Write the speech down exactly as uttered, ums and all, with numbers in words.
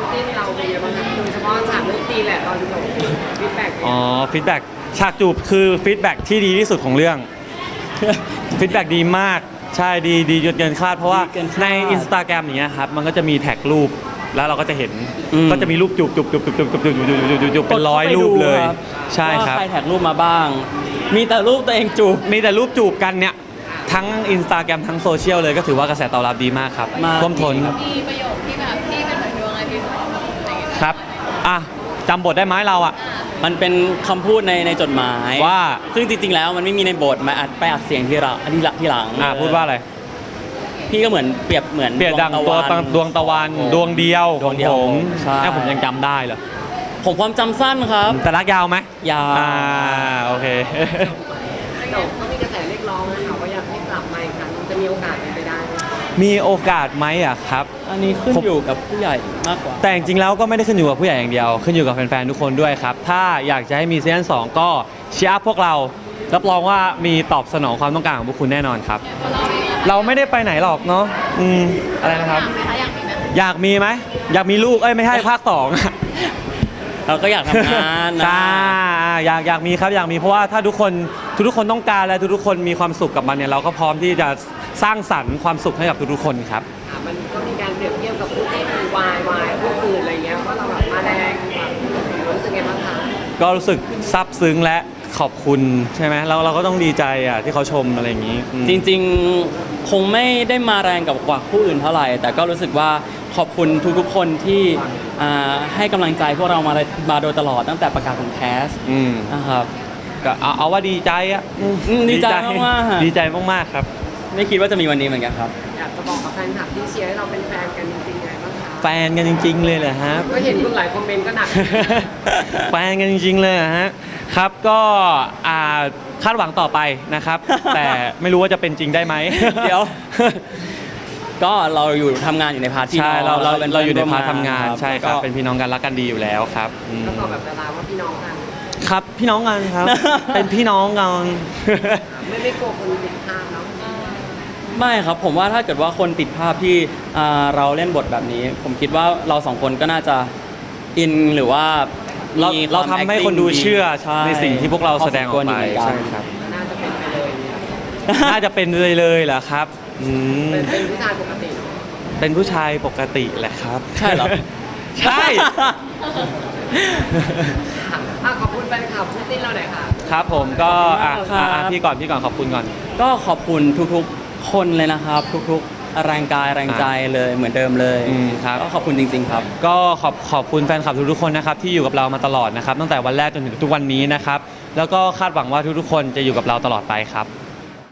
จิ้นเราเป็นยังไงบ้างคะโดยเฉพาะฉากเรื่องตีแหละตอนจบฟีดแบ็กอ๋อฟีดแบ็กฉากจูบคือฟีดแบ็กที่ดีที่สุดของเรื่อง ฟีดแบ็กดีมากใช่ดีดีจนเกินคาดเพราะว่าใน Instagram อย่างเงี้ยครับมันก็จะมีแท็กรูปแล้วเราก็จะเห็นก็จะมีรูปจูบจูบจูบจูบจูบจูบจูบจูบจูบจูบเป็นร้อยรูปเลยใช่ครับใครแท็กรูปมาบ้างมีแต่รูปตัวเองจูบมีแต่รูปจูบกันเนี่ยทั้ง Instagram ทั้งโซเชียลเลยก็ถือว่ากระแสตอบรับดีมากครับท่วมท้นมีประโยคที่แบบที่เป็นเหมือนดวงอาทิตย์อะไรอย่างเงี้ยครับอ่ะจำบทได้ไหมเราอ่ะมันเป็นคำพูดในในจดหมายว่าซึ่งจริงๆแล้วมันไม่มีในบทมาอัดไปอัดเสียงที่เราที่ที่หลังอ่ะพูดว่าอะไรพี่ก็เหมือนเปรียบเหมือนเปรียบดังตัวดวงตะวันดวงเดียวของผมใช่ผมยังจำได้เหรอผมความจำสั้นครับแต่รักยาวไหมยาวอ่าโอเคแต่ก็มีกระแสเรียกร้องนะคะว่าอยากให้กลับมาอีกครั้งจะมีโอกาสเป็นไปได้ไหมมีโอกาสไหมอ่ะครับอันนี้ขึ้นอยู่กับผู้ใหญ่มากกว่าแต่จริงๆแล้วก็ไม่ได้ขึ้นอยู่กับผู้ใหญ่อย่างเดียวขึ้นอยู่กับแฟนๆทุกคนด้วยครับถ้าอยากจะให้มีซีซั่นสองก็เชียร์พวกเรารับรองว่ามีตอบสนองความต้องการของพวกคุณแน่นอนครับเราไม่ได้ไปไหนหรอกเนาะอืมอะไรนะครับอยากมีไหมอยากมีลูกเอ้ยไม่ใช่ภาคสองเราก็อยากทำงานนะใช่อยากอยากมีครับอยากมีเพราะว่าถ้าทุกคนทุกคนต้องการและทุกคนมีความสุขกับมันเนี่ยเราก็พร้อมที่จะสร้างสรรค์ความสุขให้กับทุกๆคนครับมันก็มีการเปรียบเทียบกับผู้จิ้นวายวายผู้อื่นอะไรเงี้ยว่าเราแบบมาแรงแบบรู้สึกไงบ้างคะก็รู้สึกซาบซึ้งและขอบคุณใช่ไหมเราเราก็ต้องดีใจอ่ะที่เขาชมอะไรอย่างนี้จริงๆคงไม่ได้มาแรงกับกว่าผู้อื่นเท่าไหร่แต่ก็รู้สึกว่าขอบคุณทุกๆคนที่ให้กำลังใจพวกเรามามาโดยตลอดตั้งแต่ประกาศของแคสนะครับก็เอาเอาว่าดีใจอ่ะดีใจมากๆดีใจมากๆครับไม่คิดว่าจะมีวันนี้เหมือนกันครับอยากจะบอกกับแฟนคลับที่เชียร์ให้เราเป็นแฟนกันจริงๆไงบ้างคะแฟนกันจริงๆเลยเหรอฮะก็เห็นคนหลายคอมเมนต์ก็หนักแฟนกันจริงๆเลยฮะครับก็คาดหวังต่อไปนะครับแต่ไม่รู้ว่าจะเป็นจริงได้ไหมเดี๋ยวก็เราอยู่ทำงานอยู่ในพาร์ทที่ใช่เราเราเราอยู่ในพาร์ททำงานใช่ครับเป็นพี่น้องกันรักกันดีอยู่แล้วครับก็ตอบแบบดาราว่าพี่น้องกันครับพี่น้องกันครับเป็นพี่น้องกันไม่ไม่กลัวคนติดภาพแล้วไม่ครับผมว่าถ้าเกิดว่าคนติดภาพที่เราเล่นบทแบบนี้ผมคิดว่าเราสองคนก็น่าจะอินหรือว่าเราเราทำให้คนดูเชื่อในสิ่งที่พวกเราแสดงออกไปใช่ครับน่าจะเป็นไปเลยน่าจะเป็นเลยเลยเหรอครับเป็นผู้ชายปกติเป็นผู้ชายปกติแหละครับใช่เหรอใช่ขอบคุณแฟนคลับผู้จิ้นเราหน่อยค่ะครับผมก็อ่ะพี่ก่อนพี่ก่อนขอบคุณก่อนก็ขอบคุณทุกๆคนเลยนะครับทุกๆแรงกายแรงใจเลยเหมือนเดิมเลยครับก็ขอบคุณจริงๆครับก็ขอบขอบคุณแฟนคลับทุกๆคนนะครับที่อยู่กับเรามาตลอดนะครับตั้งแต่วันแรกจนถึงทุกวันนี้นะครับแล้วก็คาดหวังว่าทุกๆคนจะอยู่กับเราตลอดไปครับ